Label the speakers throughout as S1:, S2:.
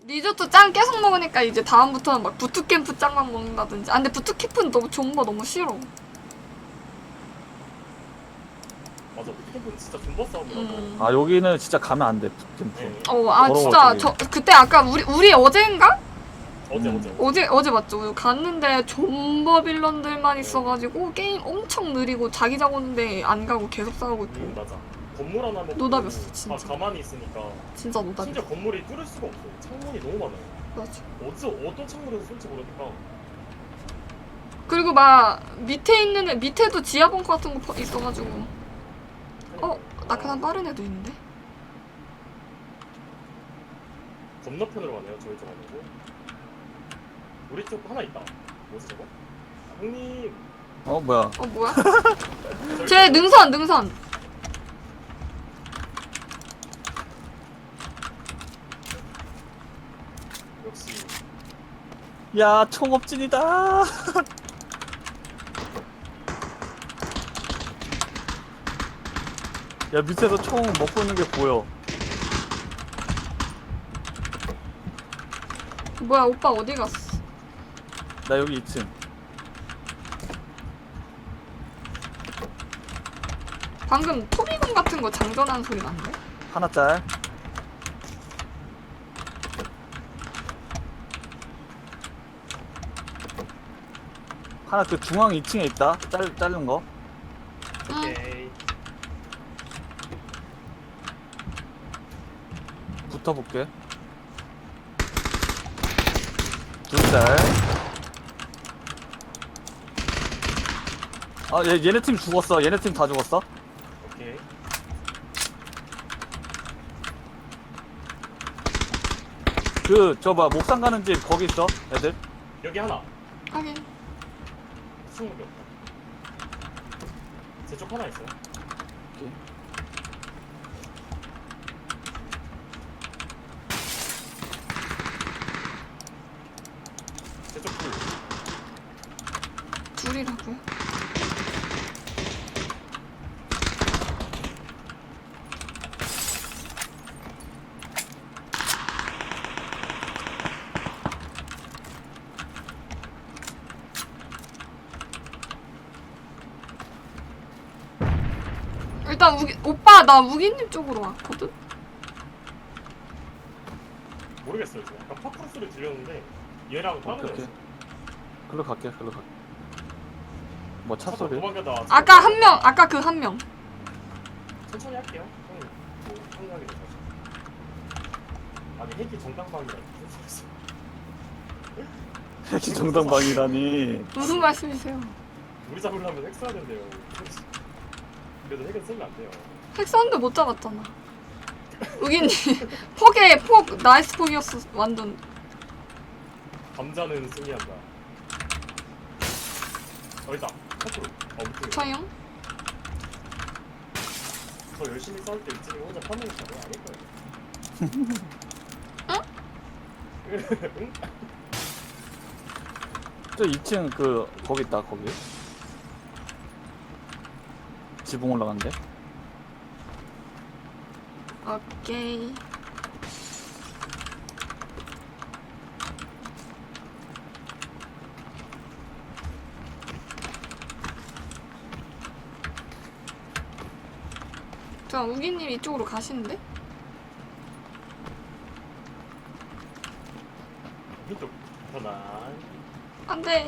S1: 리조또 짱 계속 먹으니까 이제 다음부터는 막 부트캠프 짱만 먹는다든지. 아 근데 부트캠프는 너무 존버 너무 싫어.
S2: 맞아, 부트캠프는 진짜 존버 싸움이라서.
S3: 아 여기는 진짜 가면 안 돼. 부트캠프.
S2: 네.
S1: 아
S3: 더러워,
S1: 진짜
S3: 저기.
S1: 저 그때 아까 우리 어제인가?
S2: 어제
S1: 맞죠? 갔는데 존버 빌런들만 있어가지고 게임 엄청 느리고 자기 자고는데 안 가고 계속 싸우고 있고.
S2: 맞아. 건물 하나 먹고
S1: 노답이었어, 진짜.
S2: 다 가만히 있으니까
S1: 진짜 노답이야.
S2: 심지어 건물이 뚫을 수가 없어. 창문이 너무 많아요.
S1: 맞아.
S2: 어떤 창문에서 쏠지 모르니까.
S1: 그리고 막 밑에 있는 애 밑에도 지하 벙커 같은 거 있어가지고. 낙하산 빠른 애도 있는데.
S2: 건너편으로 가네요. 저희 쪽 아니고. 우리 쪽 하나 있다. 뭐지 저거? 형님.
S3: 뭐야?
S1: 뭐야? 쟤 능선.
S2: 역시
S3: 야 총업진이다. 야 밑에서 총 먹고 있는 게 보여.
S1: 뭐야 오빠 어디 갔어?
S3: 나 여기 2층.
S1: 방금 토비건 같은 거 장전하는 소리 났는데?
S3: 하나 짤. 하나 그 중앙 2층에 있다. 자른 거.
S2: 오케이.
S3: 붙어볼게. 둘 짤. 얘네 팀 죽었어. 얘네 팀 다 죽었어.
S2: 오케이.
S3: 봐 목상 가는 집 거기 있어. 애들.
S2: 여기 하나.
S1: 하긴
S2: 수목이 없다. 제 쪽 하나 있어요.
S3: 오케이.
S2: 제 쪽 둘.
S1: 둘이라고요? 일단 오빠 나 우기님 쪽으로 왔거든?
S2: 모르겠어요. 지금 약간 팝콘 소리 들렸는데 얘랑 다른
S3: 오케이.
S2: 애였어.
S3: 글로 갈게. 뭐 차 소리?
S2: 도망가다.
S1: 아까 그 한 명.
S2: 천천히 할게요. 형님 뭐 생각이 돼서. 아니 핵이 정당방이라 무슨 소리 있어.
S3: 핵이 정당방이라니.
S1: 무슨 말씀이세요?
S2: 우리 잡으려면 핵 써야 된대요. 그래도 핵은 쓰면 안 돼요.
S1: 핵 썼는데 못 잡았잖아. 우기님 폭 나이스 폭이었어 완전.
S2: 감자는 승리한다. 있다. 커트로. 밑에.
S1: 저요?
S2: 저 열심히 싸울 때 이쯤에 혼자 파밍했다. 왜 아닐 거예요? 응?
S3: 저 2층 거기 있다. 거기. 지붕 올라간대.
S1: 오케이. 자, 우기님 이쪽으로 가시는데?
S2: 이쪽 편안.
S1: 안 돼.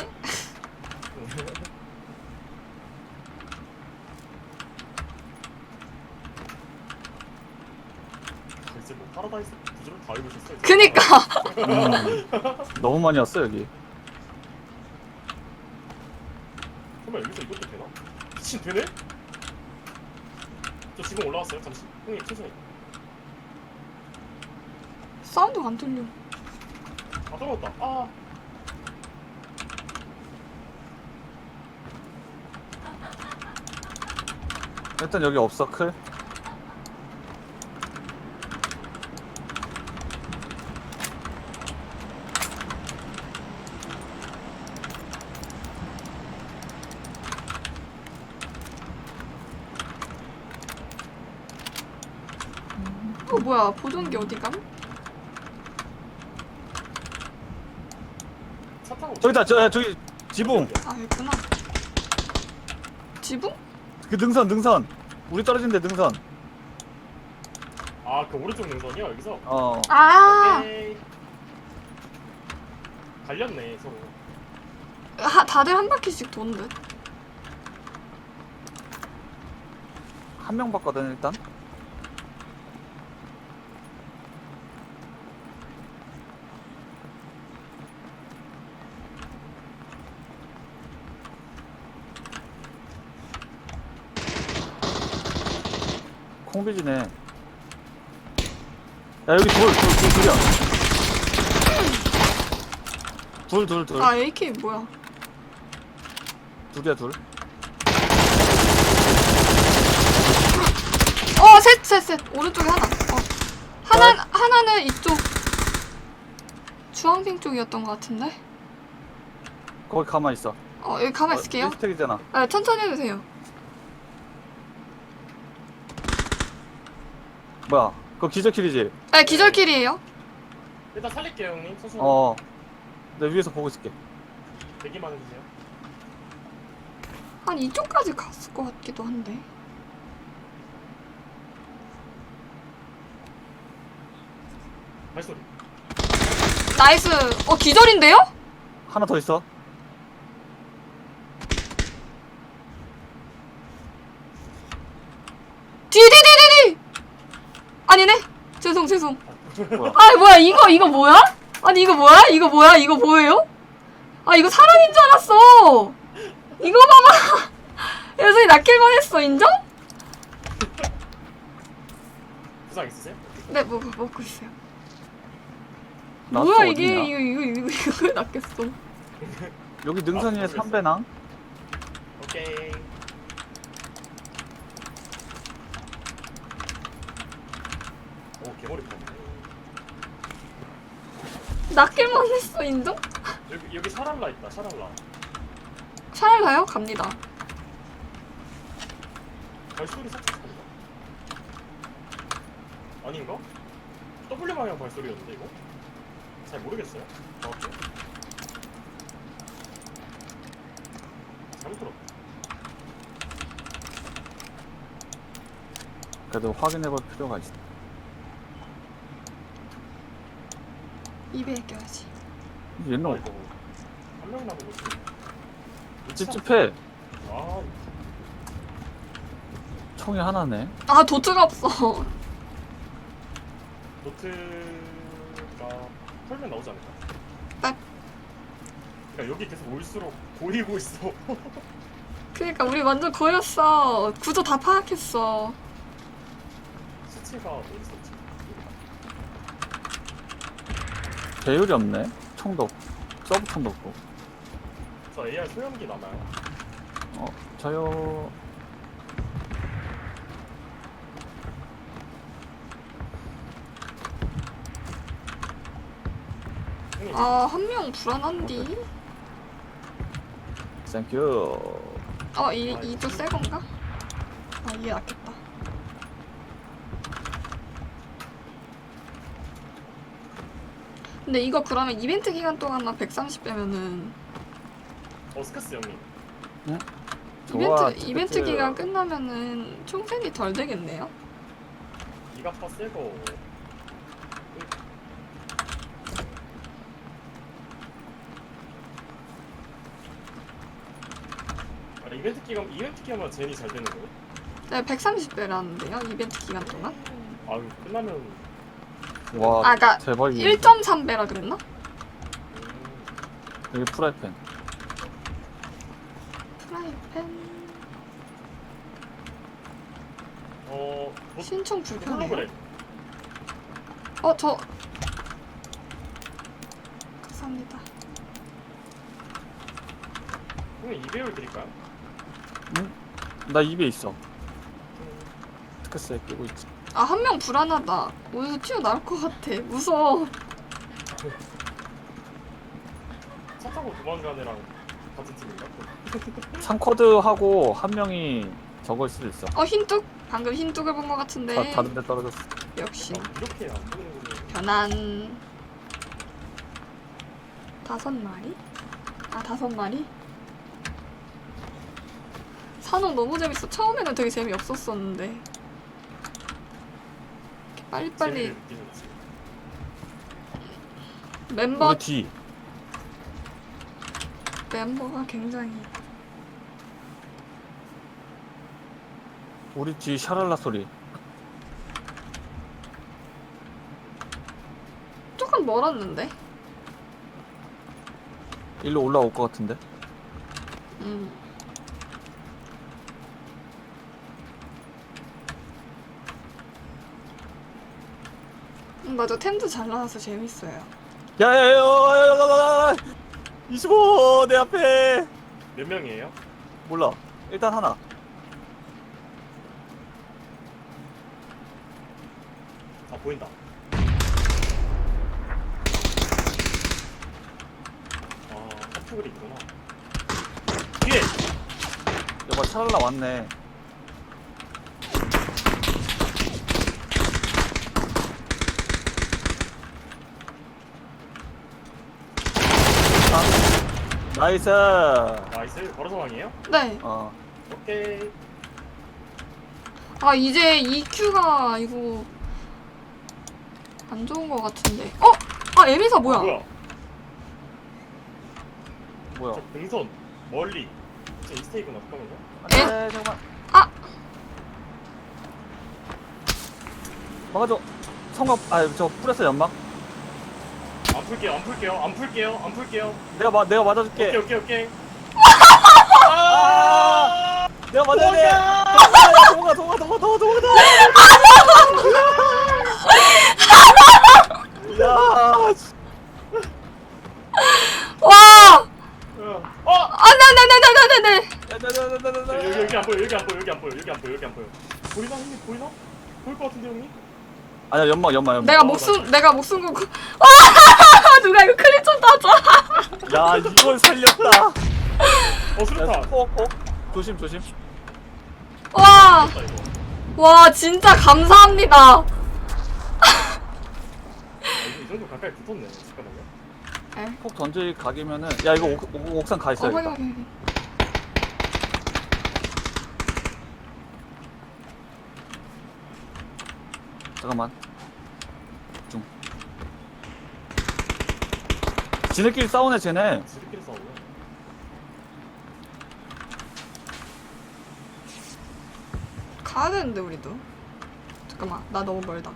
S2: 글쎄 뭐 파라다이스 구조를 다 읽으셨어요.
S1: 그니까.
S3: 너무 많이 왔어 여기.
S2: 설마 여기서 이것도 되나? 미친 되네? 저 지금 올라왔어요. 잠시. 형님 천천히.
S1: 사운드가 안 들려.
S2: 아 떨어졌다. 아.
S3: 일단 여기 없어 클.
S1: 뭐야 보정기 어디 감?
S2: 차 타고.
S3: 저기다 저기 지붕.
S1: 아 여기구나. 지붕?
S3: 그 능선. 우리 떨어진데 능선.
S2: 아그 오른쪽 능선이요 여기서.
S3: 어.
S1: 아
S2: 오케이. 갈렸네 서로.
S1: 다들 한 바퀴씩 도는 듯.
S3: 한 명 봤거든 일단. 콩비지네. 야 여기 둘이야. 둘.
S1: 아 AK 뭐야?
S3: 둘이야 둘.
S1: 셋. 오른쪽에 하나. 하나는 이쪽 주황색 쪽이었던 것 같은데.
S3: 거기 가만 있어.
S1: 여기 가만 있을게요.
S3: 스택이잖아.
S1: 아, 천천히 해도 돼요.
S3: 뭐야? 그거 기저킬이지?
S1: 네, 기절킬이에요.
S2: 일단 살릴게요 형님. 천천히.
S3: 어. 내 위에서 보고 있을게.
S2: 대기만 해주세요.
S1: 한 이쪽까지 갔을 것 같기도 한데.
S2: 발소리.
S1: 나이스. 기절인데요?
S3: 하나 더 있어.
S1: 뒤. 아니네. 죄송.
S3: 뭐야?
S1: 아, 뭐야? 이거 뭐야? 아니, 이거 뭐야? 이거 뭐예요? 아, 이거 사람인 줄 알았어. 이거 봐봐. 여전히 낚일만 했어. 인정?
S2: 부상 있으세요?
S1: 네, 먹고 있어요.
S3: 나스
S1: 뭐야,
S3: 어딨냐?
S1: 이게 낚였어.
S3: 여기 능선 위에
S2: 아,
S3: 3배낭?
S2: 오케이. 오 개머리 뻔.
S1: 낚일만 했어. 인정?
S2: 여기 샤랄라 있다. 샤랄라.
S1: 차를 가요? 갑니다.
S2: 발소리 살짝 소리가. 아닌가? W 방향 발소리였는데 이거? 잘 모르겠어요. 정확히. 잘못 들었다.
S3: 그래도 확인해볼 필요가 있어.
S1: 입에 껴야지.
S3: 얘는
S2: 아 이거 한 명 남은 거지.
S3: 찝찝해.
S2: 아
S3: 총이 하나네.
S1: 아, 도트가 없어.
S2: 노트가 털면 나오지 않을까?
S1: 딱.
S2: 그러니까 여기 계속 올수록 보이고 있어.
S1: 그니까 우리 완전 고였어. 구조 다 파악했어.
S2: 수치가 어디 있었지?
S3: 배율이 없네. 총도 없고. 서브총도 없고.
S2: 저 AR 소형기 남아요.
S3: 저요.
S2: 형님
S1: 아, 한 명 불안한디?
S3: 땡큐.
S1: 이쪽 새 건가? 아, 이게 낫겠다. 근데 이거 그러면 이벤트 기간 동안만 130 빼면은
S2: 스카스 형님.
S3: 좋아,
S1: 이벤트
S3: 티켓.
S1: 기간 끝나면은 총생이 덜 되겠네요?
S2: 이가파 새거. 이벤트 기간만 제니 잘 되는 거예요?
S1: 네, 130배라는데요, 이벤트 기간 동안?
S2: 아 끝나면
S3: 와,
S1: 그러니까
S3: 대박이네.
S1: 1.3배라 그랬나?
S3: 여기 프라이팬.
S1: 프라이팬... 신청 불편해요?
S2: 홀로그램.
S1: 저... 감사합니다.
S2: 형님 2배율 드릴까요?
S3: 나 입에 있어. 스크스에 끼고 있지.
S1: 아, 한 명 불안하다. 어디서 튀어나올 것 같아. 무서워.
S2: 차 타고 도망가는 애랑 같은 팀인가?
S3: 3쿼드하고 한 명이 저걸 수도 있어.
S1: 흰뚝? 방금 흰뚝을 본 것 같은데.
S3: 다른 데 떨어졌어.
S1: 역시.
S2: 이렇게 안 보이는 거는
S1: 변한... 5마리? 아 5마리? 산옥 너무 재밌어. 처음에는 되게 재미없었었는데 이렇게 빨리빨리
S2: 재미를 느끼는 거지.
S1: 멤버가
S3: 우리
S1: 굉장히
S3: 뒤 샤랄라 소리.
S1: 조금 멀었는데.
S3: 일로 올라올 것 같은데.
S1: 맞아. 템도 잘 나와서 재밌어요.
S3: 야야야야야야야 25 내 앞에.
S2: 몇 명이에요?
S3: 몰라. 일단 하나.
S2: 아 보인다. 아 하프글이 있구나. 뒤에.
S3: 여봐 샤랄라 왔네. 나이스.
S2: 나이스. 바로 상황이에요?
S1: 네.
S2: 오케이.
S1: 아 이제 EQ가 이거 안 좋은 것 같은데. 아 에미사 뭐야?
S3: 뭐야?
S2: 저 등선 멀리. 저 이스테이크나 잠깐만요.
S3: 안돼 잠깐만.
S1: 아!
S3: 막아줘. 성광 저 뿌렸어 연막.
S2: 안 풀게요.
S3: 내가 맞아줄게.
S2: 오케이.
S3: 내가 맞아야 돼. 도망가. 야.
S1: 와! 네.
S2: 여기 안 보여. 보이나 형님? 보일 것 같은데 형님?
S3: 아니야 연막.
S1: 내가 목숨 걸고. 와! 누가 이거 클립 좀 따줘.
S3: 야 이걸 살렸다.
S2: 수류탄.
S3: 폭. 조심.
S1: 와!
S2: 이거.
S1: 와 진짜 감사합니다.
S2: 이 정도 가까이 붙었네. 잠깐만요.
S3: 폭 던질 각이면은 야 이거 옥상 가 있어야겠다.
S1: 확인.
S3: 잠깐만. 중. 지네끼리 싸우네 쟤네.
S2: 지들끼리 싸우네.
S1: 가야 되는데 우리도. 잠깐만 나 너무 멀다.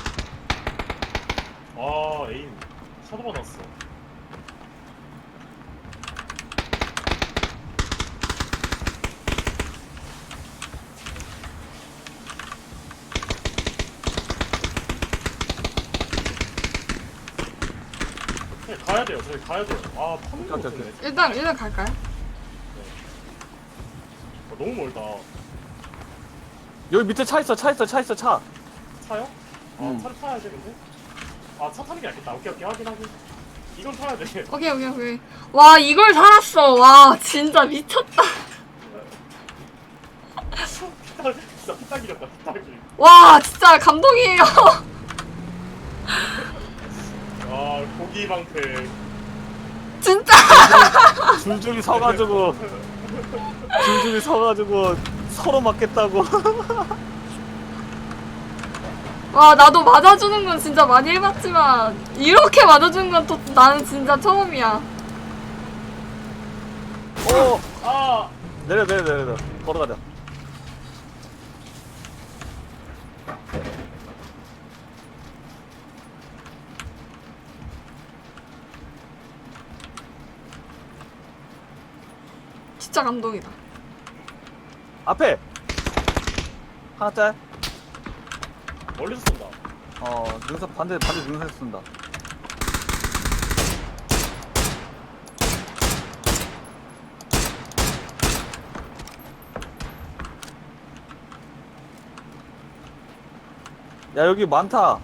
S2: 에임. 샤도 받았어. 저희 가야 돼요. 파밍
S3: 오케이.
S2: 못했네.
S1: 일단 갈까요?
S2: 너무 멀다.
S3: 여기 밑에 차 있어.
S2: 차요?
S3: 응.
S2: 차를 타야 되는데? 차 타는 게 낫겠다. 오케이, 확인. 이건 타야 돼.
S1: 오케이. 와 이걸 살았어. 와 진짜 미쳤다.
S2: 진짜 피딱이렸다, 피딱이.
S1: 와 진짜 감동이에요.
S2: 고기 방패.
S1: 진짜.
S3: 줄줄이 서가지고 서로 맞겠다고.
S1: 와 나도 맞아주는 건 진짜 많이 해봤지만 이렇게 맞아주는 건 또 나는 진짜 처음이야.
S3: 오.
S2: 아!
S3: 내려. 걸어가자.
S1: 진짜 감동이다.
S3: 앞에 하나 짤.
S2: 멀리서 쏜다.
S3: 능선 반대 능선에서 쏜다. 야 여기 많다.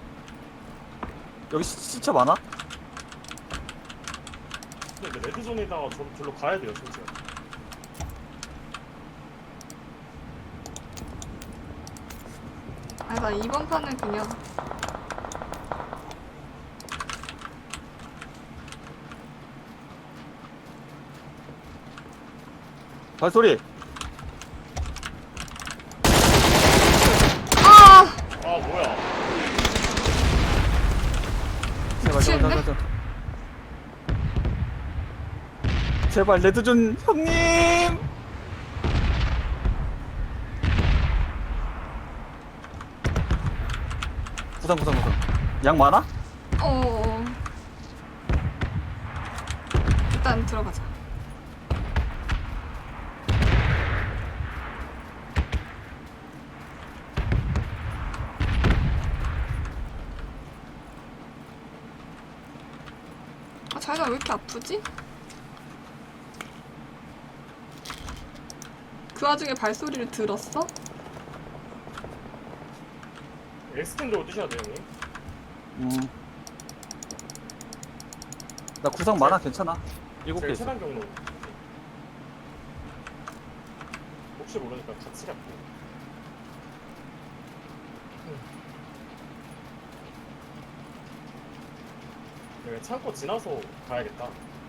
S3: 여기 시체 많아?
S2: 근데 레드존에다가 절로 가야 돼요, 진짜.
S1: 아, 나 이번 판은 그냥.
S3: 발소리.
S1: 아!
S2: 아 뭐야?
S3: 제발
S1: 미치겠네?
S3: 제발 레드존 형님. 구상. 양 많아?
S1: 어. 일단 들어가자. 아, 자기가 왜 이렇게 아프지? 그 와중에 발소리를 들었어?
S2: 엑스텐 들고 뛰셔야 돼요 형님.
S3: 나 구상 많아, 괜찮아. 7개
S2: 제일
S3: 있어.
S2: 최단 경로. 혹시 모르니까 같이 갈게. 여기 창고 지나서 가야겠다.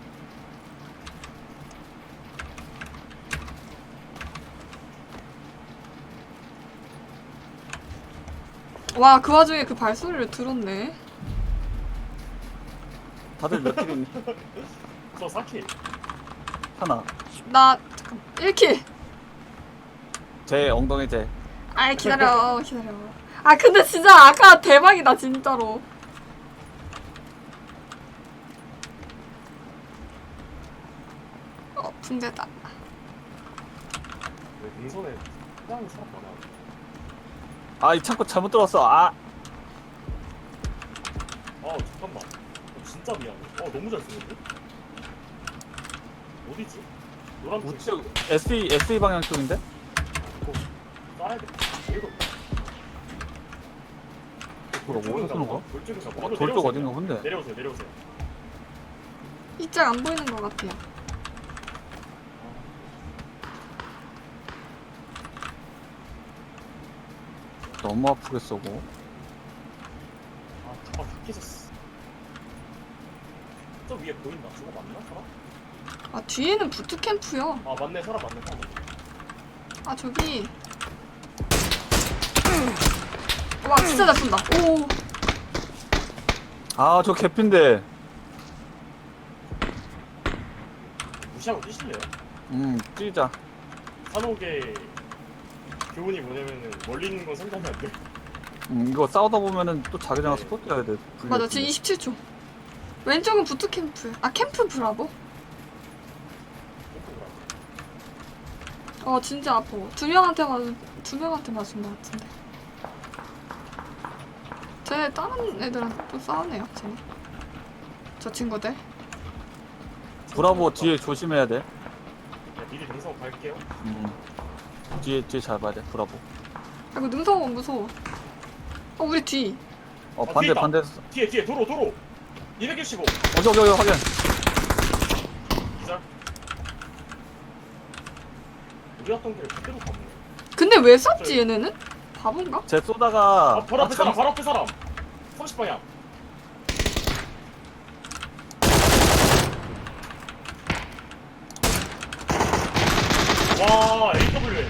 S1: 와, 그 와중에 그 발소리를 들었네.
S3: 다들 몇 킬이니?
S2: 저 4킬.
S3: 하나.
S1: 나, 잠깐, 1킬!
S3: 제 엉덩이 제.
S1: 아이, 기다려. 아, 근데 진짜 아까 대박이다, 진짜로. 붕대다.
S2: 왜 능선에 땅이 사람 많아.
S3: 아, 이 창고 잘못 들어왔어. 아,
S2: 아 잠깐만. 진짜 미안해. 너무 잘 쓰는데? 어디지? 노란 불.
S3: 우측 SE 방향 쪽인데?
S2: 이거 쏴야겠다. 이거
S3: 뭐야, 어디서 쏘는 거야?
S2: 돌쪽인가 봐.
S3: 어, 돌쪽 어딘가 본데.
S2: 내려오세요.
S1: 이짝 안 보이는 것 같아요.
S3: 너무 아프게 쏘고.
S2: 다 깨졌어. 저 위에 보인다. 저거 맞나 사람?
S1: 아, 뒤에는 부트캠프요.
S2: 아 맞네 사람.
S1: 아, 저기. 와, 진짜 잘 쏜다. 오.
S3: 아, 저 개핀데.
S2: 무시하고 뛰실래요?
S3: 뛰자.
S2: 산옥의 교훈이 뭐냐면은 멀리 있는 건 생각이 안 돼.
S3: 이거 싸우다 보면은 또 자기장
S2: 네.
S3: 스포트 해야 돼.
S1: 맞아, 지금 27초. 왼쪽은 부트캠프. 아, 캠프 브라보? 진짜 아파. 두 명한테 맞은 것 같은데. 쟤 다른 애들한테 또 싸우네요, 쟤. 저 친구들.
S3: 브라보 뒤에 조심해야 돼.
S2: 미리 능선 갈게요.
S3: 뒤에 잘 봐야 돼. 브라보.
S1: 아이고, 능성은 무서워. 우리 뒤.
S3: 반대
S2: 뒤에
S3: 반대.
S2: 뒤에 도로 215
S3: 여기 확인.
S2: 기절. 우리 왔던 길을 그대로 가네.
S1: 근데 왜 쐈지, 얘네는? 바본가?
S3: 쟤 쏘다가
S2: 바로 앞에 사람 30방향. 와 AW.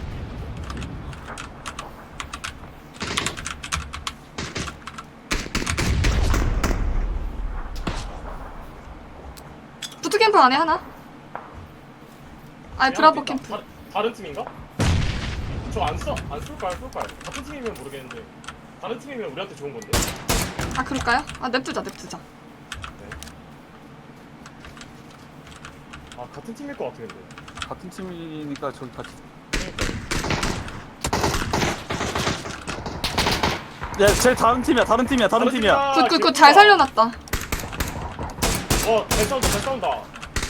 S1: 부트캠프 안에 하나? 아니, 브라보 캠프.
S2: 다른 팀인가? 저 안 쏠까요? 같은 팀이면 모르겠는데 다른 팀이면 우리한테 좋은 건데.
S1: 아, 그럴까요? 아, 냅두자.
S2: 아 같은 팀일 것 같아 근데.
S3: 같은 팀이니까 저기 같이. 야, 쟤 다른 팀이야.
S1: 굿, 잘 살려놨다.
S2: 잘 싸운다.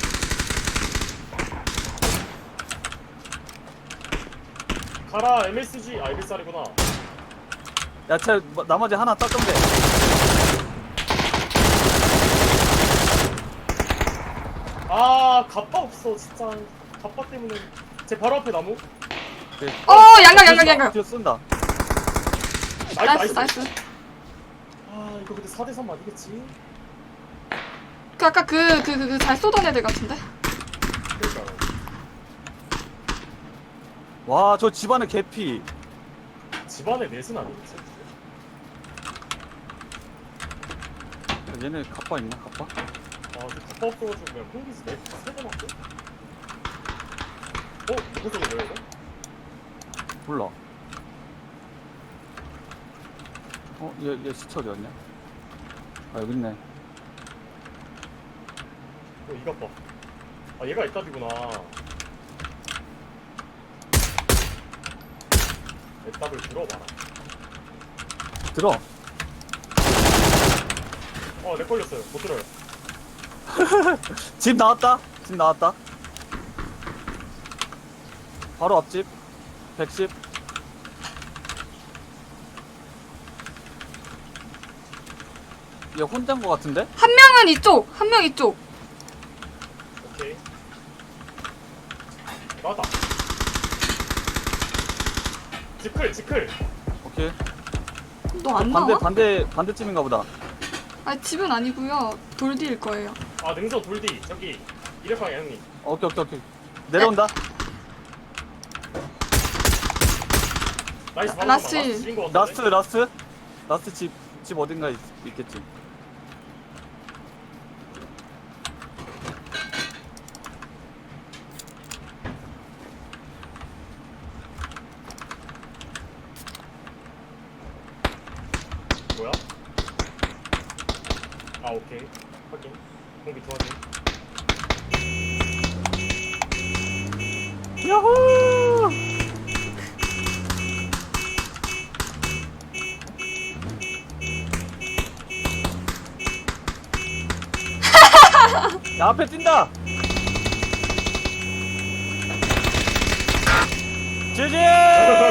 S2: 가라 MSG. MSR이구나.
S3: 야, 쟤 나머지 하나 땄던데.
S2: 갑바 없어 진짜. 갑바 때문에. 제 바로 앞에 나무.
S1: 양각.
S3: 뒤에 쏜다.
S1: 나이스.
S2: 이거 근데 4대3 아니겠지?
S1: 그 아까 그 잘 쏘던 애들 같은데?
S2: 그러니까요.
S3: 와, 저 집안에 개피.
S2: 집안에 넷은 아니겠지?
S3: 얘네 갑바 있나? 갑바?
S2: 아, 저 갑바 없어가지고 그냥 콩기스 세대 맞고? 누구 쪽에 뭐야 이거?
S3: 몰라. 얘 시체 어디였냐? 아, 여기 있네.
S2: 이것 봐. 아, 얘가 애답이구나. 애답을 들어봐라.
S3: 들어.
S2: 내 걸렸어요. 못 들어요.
S3: 집 나왔다. 집 나왔다. 바로 앞집. 110. 얘 혼자인 거 같은데?
S1: 한 명은 이쪽, 한 명 이쪽.
S2: 오케이. 나왔다. 지클.
S1: 너
S3: 오케이.
S1: 안 나와?
S3: 반대쯤인가 보다.
S1: 아, 집은 아니고요. 돌 뒤일 거예요.
S2: 아, 능선 돌디. 저기, 이래방에 형님.
S3: 오케이. 내려온다.
S2: 나이스,
S1: 라스.
S2: 지인 거 같은데?
S3: 라스트 집 어딘가 있겠지.
S2: 뭐야? 아, 오케이. 확인. 공기 도와줘.
S3: 야호! 야, 앞에 뛴다! 지지!